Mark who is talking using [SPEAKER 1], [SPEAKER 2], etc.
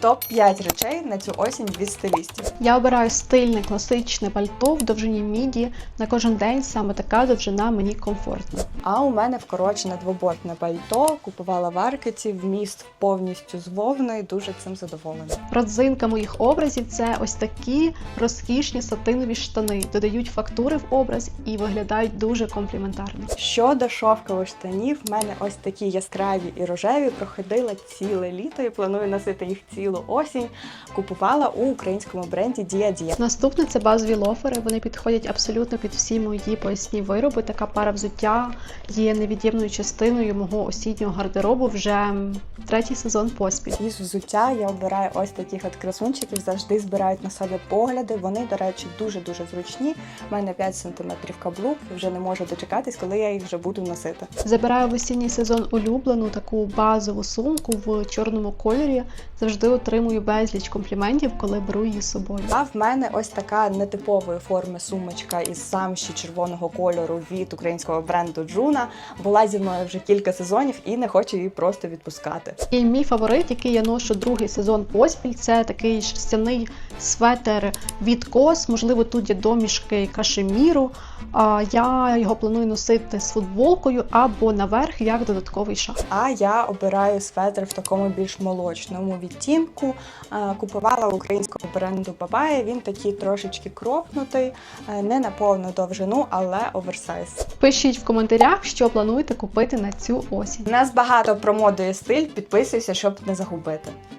[SPEAKER 1] Топ-5 речей на цю осінь від стилістів.
[SPEAKER 2] Я обираю стильне класичне пальто в довжині міді. На кожен день саме така довжина мені комфортна.
[SPEAKER 1] А у мене вкорочене двобортне пальто, купувала в Аркеті, вміст повністю з вовни, дуже цим задоволена.
[SPEAKER 2] Родзинка моїх образів – це ось такі розкішні сатинові штани. Додають фактури в образ і виглядають дуже компліментарно.
[SPEAKER 1] Щодо шовкових штанів, в мене ось такі яскраві і рожеві, проходила ціле літо і планую носити їх цілу осінь. Купувала у українському бренді Dia.
[SPEAKER 2] Наступне – це базові лофери. Вони підходять абсолютно під всі мої поясні вироби. Така пара взуття є невід'ємною частиною мого осіннього гардеробу вже третій сезон поспіль.
[SPEAKER 1] Із взуття я обираю ось таких от красунчиків, завжди збирають на себе погляди. Вони, до речі, дуже-дуже зручні. У мене 5 см каблук, вже не можу дочекатись, коли я їх вже буду носити.
[SPEAKER 2] Забираю в осінній сезон улюблену таку базову сумку в чорному кольорі. Завжди отримую безліч компліментів, коли беру її з собою.
[SPEAKER 1] А в мене ось така нетипової форми сумочка із замші червоного кольору від українського бренду Juno. Була зі мною вже кілька сезонів і не хочу її просто відпускати.
[SPEAKER 2] І мій фаворит, який я ношу другий сезон поспіль, це такий шерстяний светер від COS. Можливо, тут є домішки кашеміру. Я його планую носити з футболкою або наверх, як додатковий шарф.
[SPEAKER 1] А я обираю светр в такому більш молочному відтінку. Купувала у українського бренду Babae. Він такий трошечки кропнутий, не на повну довжину, але оверсайз.
[SPEAKER 2] Пишіть в коментарях, що плануєте купити на цю осінь.
[SPEAKER 1] У нас багато про моду і стиль, підписуйся, щоб не загубити.